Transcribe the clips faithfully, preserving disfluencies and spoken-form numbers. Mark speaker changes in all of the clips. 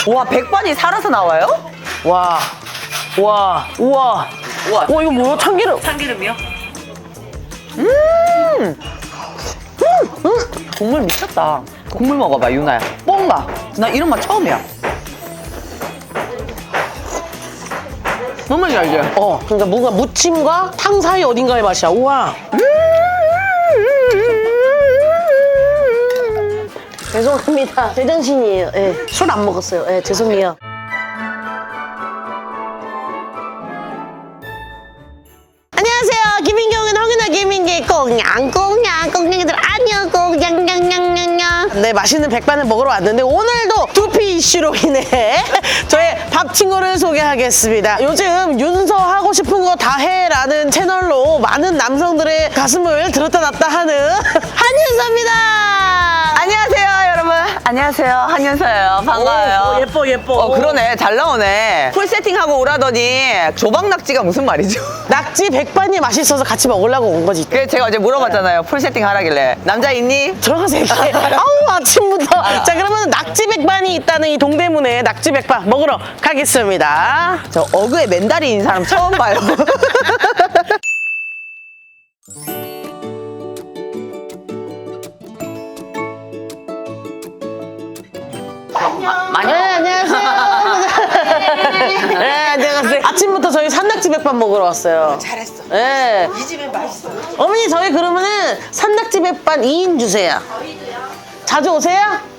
Speaker 1: 와, 백반이 살아서 나와요?
Speaker 2: 와, 와, 우와.
Speaker 1: 우와.
Speaker 2: 와, 이거 뭐야? 참기름.
Speaker 1: 참기름이요? 음! 음! 음! 국물 미쳤다. 국물 먹어봐, 유나야. 뽕가. 나 이런 맛 처음이야. 뭔 맛이야, 이게?
Speaker 2: 어, 그러니까 뭔가 무침과 탕 사이 어딘가의 맛이야. 우와. 죄송합니다. 제정신이에요. 예. 술 안 먹었어요. 예, 죄송해요. 안녕하세요. 김인경은 허기나 김인기 꽁냥 꽁냥 꽁냥이들 안녕 꽁냥 냥냥냥냥. 네, 맛있는 백반을 먹으러 왔는데 오늘도 두피 이슈로 인해 저의 밥 친구를 소개하겠습니다. 요즘 윤서 하고 싶은 거 다 해라는 채널로 많은 남성들의 가슴을 들었다 놨다 하는 한윤서입니다.
Speaker 1: 안녕하세요, 여러분. 안녕하세요, 한윤서예요. 반가워요.
Speaker 2: 오, 오, 예뻐 예뻐.
Speaker 1: 어, 그러네. 잘 나오네. 풀 세팅하고 오라더니 조박낙지가 무슨 말이죠?
Speaker 2: 낙지 백반이 맛있어서 같이 먹으려고 온 거지.
Speaker 1: 그래서 제가 어제 물어봤잖아요. 풀 세팅 하라길래. 남자 있니?
Speaker 2: 들어가서 얘기해. 아우 아침부터. 자, 그러면 낙지 백반이 있다는 이 동대문에 낙지 백반 먹으러 가겠습니다.
Speaker 1: 저 어그에 맨다리인 사람 처음 봐요. 많이
Speaker 2: 네, 안녕하세요. 네, 안녕하세요. 아침부터 저희 산낙지 백반 먹으러 왔어요.
Speaker 1: 잘했어.
Speaker 2: 네.
Speaker 1: 이 집에 맛있어.
Speaker 2: 어머니, 저희 그러면은 산낙지 백반 이 인 주세요. 자주 오세요?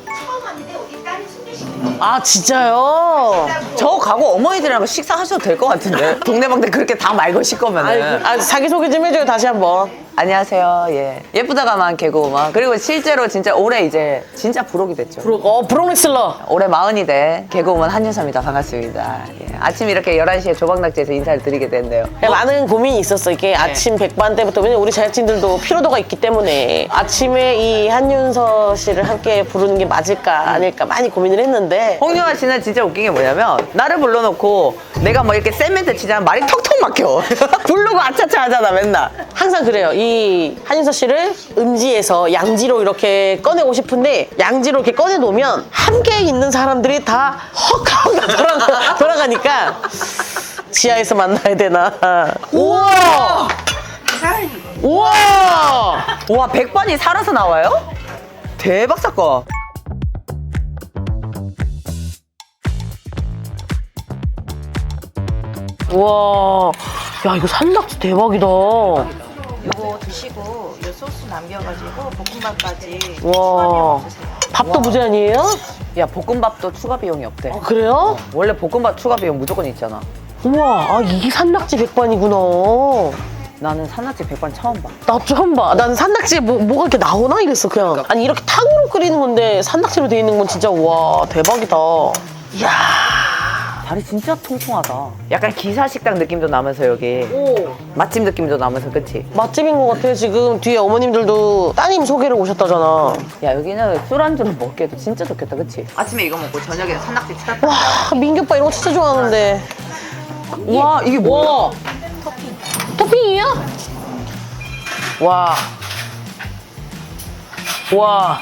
Speaker 2: 아, 진짜요?
Speaker 1: 저 가고 어머니들이랑 식사하셔도 될 것 같은데. 동네방네 그렇게 다 말 거실 거면은.
Speaker 2: 아, 자기소개 좀 해줘요, 다시 한번.
Speaker 1: 안녕하세요. 예. 예쁘다가만 개그우먼. 그리고 실제로 진짜 올해 이제 진짜 부록이 됐죠.
Speaker 2: 어, 브로믹슬러.
Speaker 1: 올해 마흔이 돼 개그우먼 한윤서입니다. 반갑습니다. 예. 아침 이렇게 열한 시에 조박낙지에서 인사를 드리게 됐네요.
Speaker 2: 많은 고민이 있었어. 이게 아침 백반 때부터. 왜냐면 우리 제작진들도 피로도가 있기 때문에 아침에 이 한윤서 씨를 함께 부르는 게 맞을까 아닐까 많이 고민을 했는데
Speaker 1: 홍유아 씨는 진짜 웃긴 게 뭐냐면 나를 불러놓고 내가 뭐 이렇게 센 멘트 치자면 말이 턱턱 막혀. 부르고 아차차 하잖아 맨날.
Speaker 2: 항상 그래요. 이 한윤서 씨를 음지에서 양지로 이렇게 꺼내고 싶은데 양지로 이렇게 꺼내놓으면 함께 있는 사람들이 다 헉하고 돌아가, 돌아가니까 지하에서 만나야 되나. 우와! 우와!
Speaker 1: 와, 백반이 살아서 나와요? 대박 사건.
Speaker 2: 우와! 야, 이거 산낙지 대박이다.
Speaker 3: 이거 드시고 이 소스 남겨가지고 볶음밥까지
Speaker 2: 와. 밥도 무제한이에요?
Speaker 1: 야, 볶음밥도 추가 비용이 없대.
Speaker 2: 아, 그래요?
Speaker 1: 원래 볶음밥 추가 비용 무조건 있잖아.
Speaker 2: 우와, 아, 이게 산낙지 백반이구나.
Speaker 1: 나는 산낙지 백반 처음 봐.
Speaker 2: 나 처음 봐. 난 산낙지에 뭐, 뭐가 이렇게 나오나 이랬어, 그냥. 아니, 이렇게 탕으로 끓이는 건데 산낙지로 돼 있는 건 진짜, 와, 대박이다. 이야.
Speaker 1: 다리 진짜 통통하다. 약간 기사식당 느낌도 나면서 여기
Speaker 2: 오.
Speaker 1: 맛집 느낌도 나면서 그치?
Speaker 2: 맛집인 것 같아. 지금 뒤에 어머님들도 따님 소개를 오셨다잖아.
Speaker 1: 야, 여기는 술안주로 먹기에도 진짜 좋겠다 그치? 아침에 이거 먹고 저녁에 산낙지 치다.
Speaker 2: 와, 민규 오빠 이런 거 진짜 좋아하는데.
Speaker 1: 와, 이게 뭐야?
Speaker 2: 와. 토핑이야? 와. 와.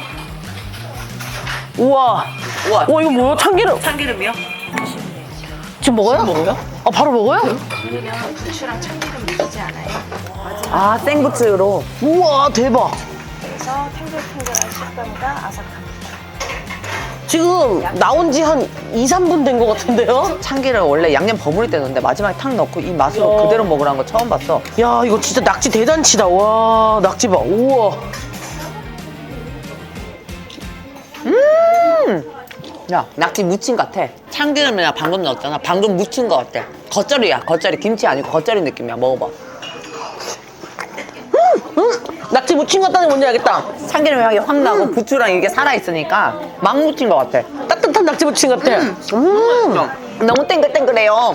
Speaker 2: 우와.
Speaker 1: 우와.
Speaker 2: 와, 이거 뭐야? 참기름.
Speaker 3: 참기름이요?
Speaker 2: 지금 먹어요?
Speaker 1: 먹어요?
Speaker 2: 아, 바로 먹어요?
Speaker 3: 그러면 부추랑 참기름 넣이지 않아요.
Speaker 1: 아, 생부츠로.
Speaker 2: 우와, 대박.
Speaker 3: 그래서 탱글탱글한 식감과 아삭함.
Speaker 2: 지금 나온 지 한 이, 삼 분 된 것 같은데요?
Speaker 1: 참기름 원래 양념 버무릴 때 넣는데 마지막에 탁 넣고 이 맛으로
Speaker 2: 야.
Speaker 1: 그대로 먹으라는 거 처음 봤어.
Speaker 2: 야, 이거 진짜 낙지 대잔치다. 와, 낙지 봐. 우와.
Speaker 1: 야, 낙지 무침 같아. 참기름이나 방금 넣었잖아. 방금 무친 거 같아. 겉절이야, 겉절이. 김치 아니고 겉절이 느낌이야. 먹어봐.
Speaker 2: 낙지 무침 같다는 게 뭔지 알겠다.
Speaker 1: 참기름 향이 확 나고 부추랑 이게 살아있으니까 막 무친 거 같아.
Speaker 2: 따뜻한 낙지 무침 같아. 음.
Speaker 1: 너무 땡글땡글해요.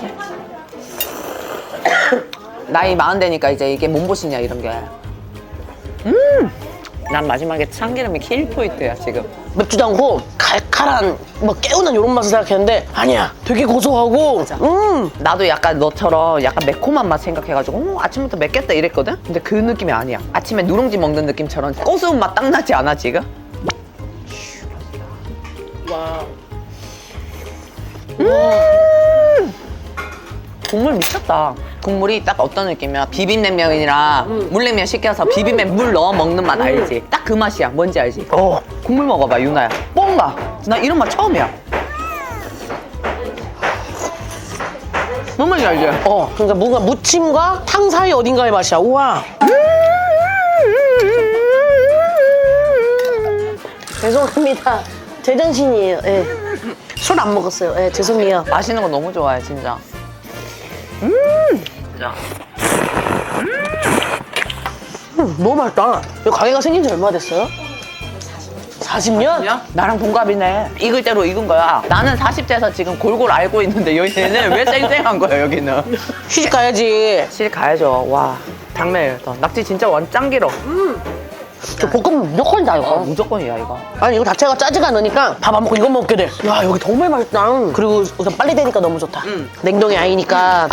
Speaker 1: 나이 마흔 되니까 이제 이게 몸보신이야 이런 게. 음, 난 마지막에 참기름이 킬 포인트야 지금.
Speaker 2: 맵지도 않고 칼칼한 뭐 개운한 이런 맛을 생각했는데 아니야. 되게 고소하고. 음.
Speaker 1: 나도 약간 너처럼 약간 매콤한 맛 생각해가지고 어, 아침부터 맵겠다 이랬거든? 근데 그 느낌이 아니야. 아침에 누룽지 먹는 느낌처럼 고소한 맛 딱 나지 않아 지금?
Speaker 2: 와.
Speaker 1: 음 국물 미쳤다. 국물이 딱 어떤 느낌이야? 비빔냉면이랑 물냉면 시켜서 비빔면 물 넣어 먹는 맛 알지? 딱 그 맛이야. 뭔지 알지?
Speaker 2: 어.
Speaker 1: 국물 먹어봐, 유나야. 뽕가. 나 이런 맛 처음이야. 뭔 말인지 알지?
Speaker 2: 어, 그러니까 뭔가 무침과 탕 사이 어딘가의 맛이야. 우와. 죄송합니다. 제정신이에요. 예. 술 안 먹었어요. 예, 죄송해요.
Speaker 1: 맛있는 거 너무 좋아해, 진짜. 음! 진짜.
Speaker 2: 음, 너무 맛있다. 이 가게가 생긴 지 얼마 됐어요? 사십 년?
Speaker 1: 나랑 동갑이네. 익을 대로 익은 거야. 나는 사십 대에서 지금 골골 알고 있는데 여기는 왜 쌩쌩한 거야, 여기는.
Speaker 2: 시집 가야지.
Speaker 1: 실 가야죠. 와, 당면 더 낙지 진짜 완 짱 길어.
Speaker 2: 저 볶음 무조건이다, 이거.
Speaker 1: 어, 무조건이야, 이거.
Speaker 2: 아니, 이거 자체가 짜지가 않으니까 밥 안 먹고 이거 먹게 돼. 야, 여기 정말 맛있다. 그리고 우선 빨리 되니까 너무 좋다.
Speaker 1: 음.
Speaker 2: 냉동이 아니니까.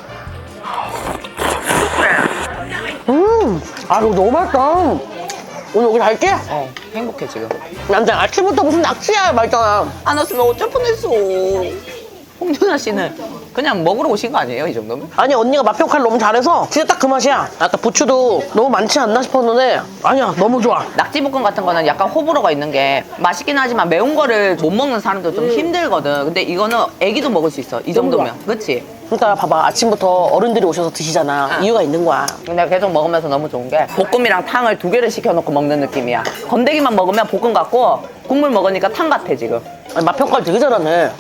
Speaker 2: 음, 아, 이거 너무 맛있다. 오늘 여기 갈게?
Speaker 1: 어, 행복해, 지금.
Speaker 2: 남자 아침부터 무슨 낙지야, 말잖아.
Speaker 1: 안 왔으면 어쩔 뻔했어. 홍준아 씨는 그냥 먹으러 오신 거 아니에요, 이 정도면?
Speaker 2: 아니, 언니가 맛 평가를 너무 잘해서 진짜 딱 그 맛이야. 아까 부추도 너무 많지 않나 싶었는데 아니야, 너무 좋아.
Speaker 1: 낙지볶음 같은 거는 약간 호불호가 있는 게 맛있긴 하지만 매운 거를 못 먹는 사람도 좀 힘들거든. 근데 이거는 애기도 먹을 수 있어, 이 정도면. 그치?
Speaker 2: 그러니까 봐봐, 아침부터 어른들이 오셔서 드시잖아. 이유가 있는 거야.
Speaker 1: 내가 계속 먹으면서 너무 좋은 게 볶음이랑 탕을 두 개를 시켜놓고 먹는 느낌이야. 건더기만 먹으면 볶음 같고 국물 먹으니까 탕 같아, 지금.
Speaker 2: 아니, 맛 평가를 되게 잘하네.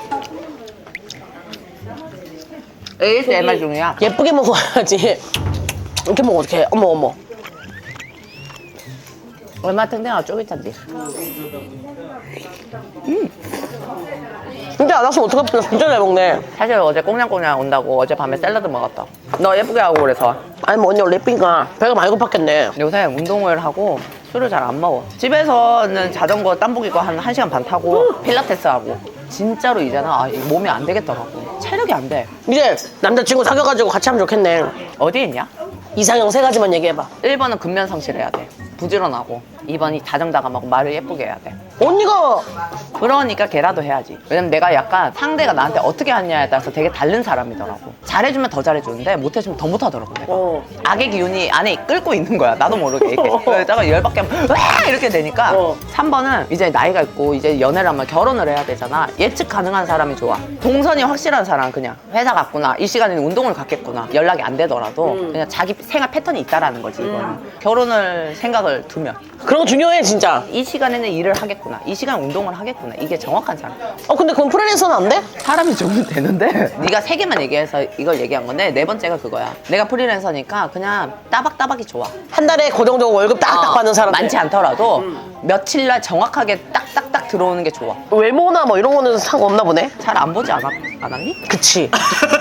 Speaker 1: 에이에스엠알 중이야.
Speaker 2: 예쁘게 먹어야지. 이렇게 먹으면 어떡해. 어머, 어머.
Speaker 1: 얼마나 탱탱하고 쫄깃한지.
Speaker 2: 근데 안 왔으면 어떡해. 진짜 잘 먹네.
Speaker 1: 사실 어제 꽁냥꽁냥 온다고 어젯밤에 샐러드 먹었다. 너 예쁘게 하고 그래서.
Speaker 2: 아니, 뭐 언니 원래 예쁘니까 배가 많이 고팠겠네.
Speaker 1: 요새 운동을 하고 술을 잘 안 먹어. 집에서는 자전거 땀복 입고 한 1시간 반 타고 필라테스 하고. 진짜로 이제는 아, 이 몸이 안 되겠더라고. 체력이 안 돼.
Speaker 2: 이제 남자친구 사귀어가지고 같이 하면 좋겠네.
Speaker 1: 어디 있냐?
Speaker 2: 이상형 세 가지만 얘기해봐.
Speaker 1: 일 번은 근면 성실해야 돼. 부지런하고. 이 번이 다정다감하고 말을 예쁘게 해야 돼.
Speaker 2: 언니가
Speaker 1: 그러니까 걔라도 해야지. 왜냐면 내가 약간 상대가 나한테 어떻게 하냐에 따라서 되게 다른 사람이더라고. 잘해주면 더 잘해주는데 못해주면 더 못하더라고, 내가.
Speaker 2: 어.
Speaker 1: 악의 기운이 안에 끌고 있는 거야. 나도 모르게. 이렇게. 그러다가 열받게 하면 와! 이렇게 되니까.
Speaker 2: 어.
Speaker 1: 삼 번은 이제 나이가 있고 이제 연애를 하면 결혼을 해야 되잖아. 예측 가능한 사람이 좋아. 동선이 확실한 사람, 그냥. 회사 갔구나. 이 시간에는 운동을 갔겠구나. 연락이 안 되더라도 그냥 자기 생활 패턴이 있다라는 거지, 이거는. 결혼을 생각을 두면.
Speaker 2: 그런 거 중요해, 진짜.
Speaker 1: 이 시간에는 일을 하겠구나. 이 시간 운동을 하겠구나. 이게 정확한 사람.
Speaker 2: 어, 근데 그건 프리랜서는 안 돼?
Speaker 1: 사람이 좋으면 되는데 네가 세 개만 얘기해서 이걸 얘기한 건데 네 번째가 그거야. 내가 프리랜서니까 그냥 따박따박이 좋아.
Speaker 2: 한 달에 고정적으로 월급 딱딱
Speaker 1: 어,
Speaker 2: 받는 사람.
Speaker 1: 많지 않더라도 며칠날 정확하게 딱딱딱 들어오는 게 좋아.
Speaker 2: 외모나 뭐 이런 거는 상관없나 보네?
Speaker 1: 잘 안 보지 않았, 않았니?
Speaker 2: 그치.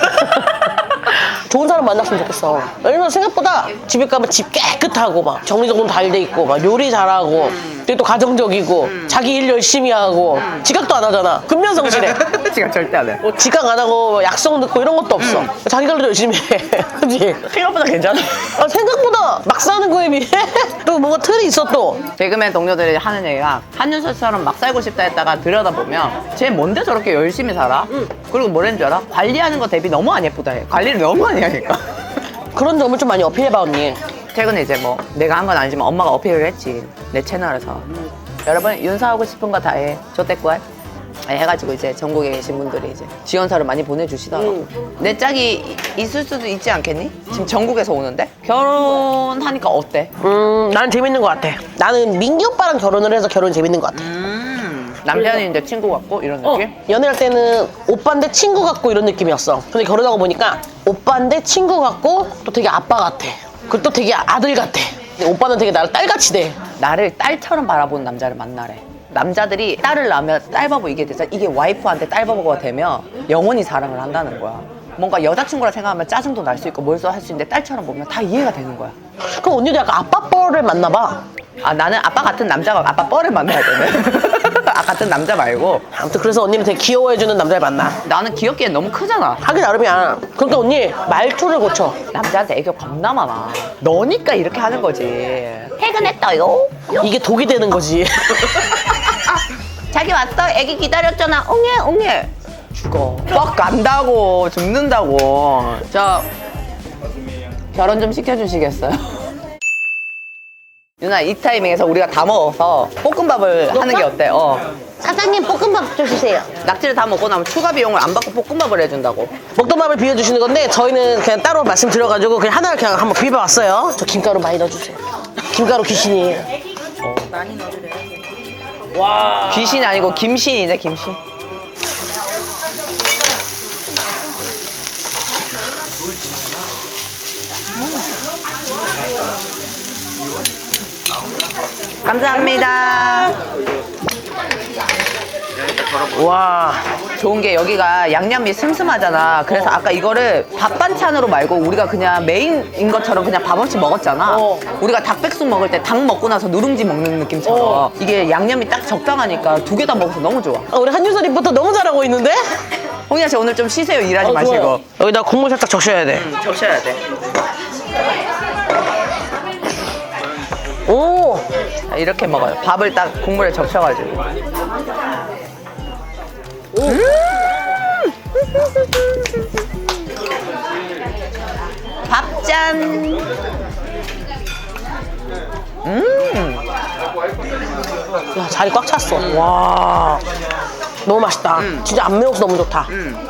Speaker 2: 좋은 사람 만났으면 좋겠어. 왜냐면 생각보다 집에 가면 집 깨끗하고 막 정리정돈 잘 돼 있고 막 요리 잘하고 되게 또 가정적이고 자기 일 열심히 하고 지각도 안 하잖아. 근면성실해.
Speaker 1: 지금 절대 안 해.
Speaker 2: 뭐 지각 안 하고 약속 늦고 이런 것도 없어. 자기 관리도 열심히 해. 그치?
Speaker 1: 생각보다 괜찮아.
Speaker 2: 아, 생각보다 막 사는 거에 비해 또 뭔가 틀이 있어 또.
Speaker 1: 개그맨 동료들이 하는 얘기가 한윤서처럼 막 살고 싶다 했다가 들여다보면 쟤 뭔데 저렇게 열심히 살아? 그리고 뭐라는 줄 알아? 관리하는 거 대비 너무 안 예쁘다 해. 관리를 너무 많이 하니까.
Speaker 2: 그런 점을 좀 많이 어필해봐, 언니.
Speaker 1: 최근에 이제 뭐 내가 한 건 아니지만 엄마가 어필을 했지, 내 채널에서. 여러분 윤서하고 싶은 거 다 해. 조태꾸알 해가지고 이제 전국에 계신 분들이 이제 지원서를 많이 보내주시더라고. 내 짝이 있을 수도 있지 않겠니? 지금 전국에서 오는데 결혼하니까 어때?
Speaker 2: 음, 난 재밌는 것 같아. 나는 민기 오빠랑 결혼을 해서 결혼이 재밌는 것 같아.
Speaker 1: 음, 남편이 이제 친구 같고 이런 느낌?
Speaker 2: 연애할 때는 오빠인데 친구 같고 이런 느낌이었어. 근데 결혼하고 보니까 오빠인데 친구 같고 또 되게 아빠 같아. 그리고 또 되게 아들 같아. 근데 오빠는 되게 나를 딸같이 돼.
Speaker 1: 나를 딸처럼 바라보는 남자를 만나래. 남자들이 딸을 낳으면 딸바보 이게 되잖아. 이게 와이프한테 딸바보가 되면 영원히 사랑을 한다는 거야. 뭔가 여자친구라 생각하면 짜증도 날 수 있고 뭘 할 수 있는데 딸처럼 보면 다 이해가 되는 거야.
Speaker 2: 그럼 언니도 약간 아빠 뻘을 만나 봐.
Speaker 1: 아, 나는 아빠 같은 남자가 아빠 뻘을 만나야 되네. 아, 같은 남자 말고.
Speaker 2: 아무튼 그래서 언니는 되게 귀여워해주는 남자를 만나.
Speaker 1: 나는 귀엽기엔 너무 크잖아.
Speaker 2: 하기 나름이야. 그러니까 언니 말투를 고쳐.
Speaker 1: 남자한테 애교 겁나 많아. 너니까 이렇게 하는 거지. 퇴근했어요.
Speaker 2: 이게 독이 되는 거지.
Speaker 1: 자기 왔어. 애기 기다렸잖아. 옹해 옹해. 죽어. 뻑 간다고 죽는다고. 저 결혼 좀 시켜주시겠어요? 누나 이 타이밍에서 우리가 다 먹어서 볶음밥을 하는 게 어때? 어.
Speaker 2: 사장님 볶음밥 좀 주세요.
Speaker 1: 낙지를 다 먹고 나면 추가 비용을 안 받고 볶음밥을 해준다고.
Speaker 2: 볶음밥을 비워주시는 건데 저희는 그냥 따로 말씀드려가지고 그냥 하나를 그냥 한번 비벼봤어요. 저 김가루 많이 넣어주세요. 김가루 귀신이에요.
Speaker 3: 많이 넣어드려요.
Speaker 1: 귀신이 아니고 김신이네 김신. 감사합니다.
Speaker 2: 와.
Speaker 1: 좋은 게 여기가 양념이 슴슴하잖아. 그래서 아까 이거를 밥 반찬으로 말고 우리가 그냥 메인인 것처럼 그냥 밥 없이 먹었잖아.
Speaker 2: 어.
Speaker 1: 우리가 닭백숙 먹을 때 닭 먹고 나서 누룽지 먹는 느낌처럼
Speaker 2: 어.
Speaker 1: 이게 양념이 딱 적당하니까 두 개 다 먹어서 너무 좋아.
Speaker 2: 아, 우리 한유서 리포터 너무 잘하고 있는데?
Speaker 1: 홍이야 씨 오늘 좀 쉬세요. 일하지
Speaker 2: 어,
Speaker 1: 마시고.
Speaker 2: 좋아요. 여기다 국물 살짝 적셔야 돼.
Speaker 1: 적셔야 돼.
Speaker 2: 오.
Speaker 1: 자, 이렇게 먹어요. 밥을 딱 국물에 적셔가지고. 음! 밥짠. 음.
Speaker 2: 야, 자리 꽉 찼어. 와. 너무 맛있다. 진짜 안 매워서 너무 좋다.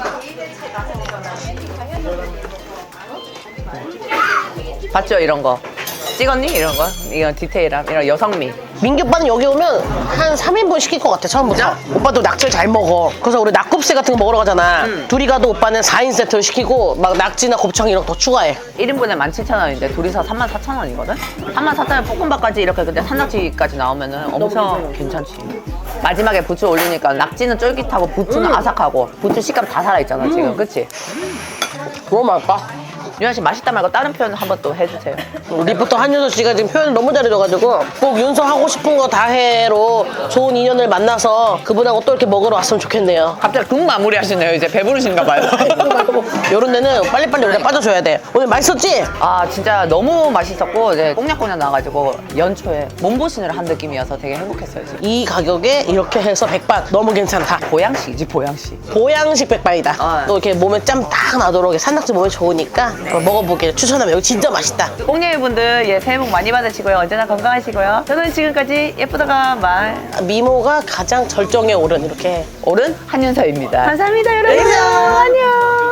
Speaker 1: 봤죠 이런 거. 찍었니 이런 거? 이런 디테일함, 이런 여성미.
Speaker 2: 민기 오빠는 여기 오면 한 삼 인분 시킬 것 같아, 처음부터. 오빠도 낙지를 잘 먹어. 그래서 우리 낙곱새 같은 거 먹으러 가잖아. 둘이 가도 오빠는 사 인 세트를 시키고 막 낙지나 곱창 이런 거 더 추가해.
Speaker 1: 일 인분에 만 칠천 원인데 둘이서 삼만 사천 원이거든? 삼만 사천 원 볶음밥까지 이렇게 근데 산낙지까지 나오면은 엄청 괜찮지. 마지막에 부추 올리니까 낙지는 쫄깃하고 부추는 아삭하고 부추 식감 다 살아있잖아 지금, 그치?
Speaker 2: 너무 맛있다.
Speaker 1: 유한 씨 맛있다 말고 다른 표현 한번 또 해주세요.
Speaker 2: 리포터 한윤서 씨가 지금 표현을 너무 잘해줘가지고 꼭 윤서 하고 싶은 거 다 해로 좋은 인연을 만나서 그분하고 또 이렇게 먹으러 왔으면 좋겠네요.
Speaker 1: 갑자기 국 마무리 하시네요. 이제 배부르신가 봐요.
Speaker 2: 요런 데는 빨리빨리 우리가 빠져줘야 돼. 오늘 맛있었지?
Speaker 1: 아 진짜 너무 맛있었고 이제 꽁냥꽁냥 나가지고 연초에 몸보신을 한 느낌이어서 되게 행복했어요 지금.
Speaker 2: 이 가격에 이렇게 해서 백반 너무 괜찮다.
Speaker 1: 보양식이지 보양식.
Speaker 2: 보양식 백반이다.
Speaker 1: 어.
Speaker 2: 또 이렇게 몸에 짬 딱 나도록 이렇게 산낙지 몸에 좋으니까 한번 먹어보기를 추천하면 여기 진짜 맛있다.
Speaker 1: 꽁냥이 분들 예, 새해 복 많이 받으시고요. 언제나 건강하시고요. 저는 지금까지 예쁘다가 말
Speaker 2: 미모가 가장 절정에 오른 이렇게
Speaker 1: 오른 한윤서입니다. 감사합니다 여러분.
Speaker 2: 안녕.
Speaker 1: 안녕.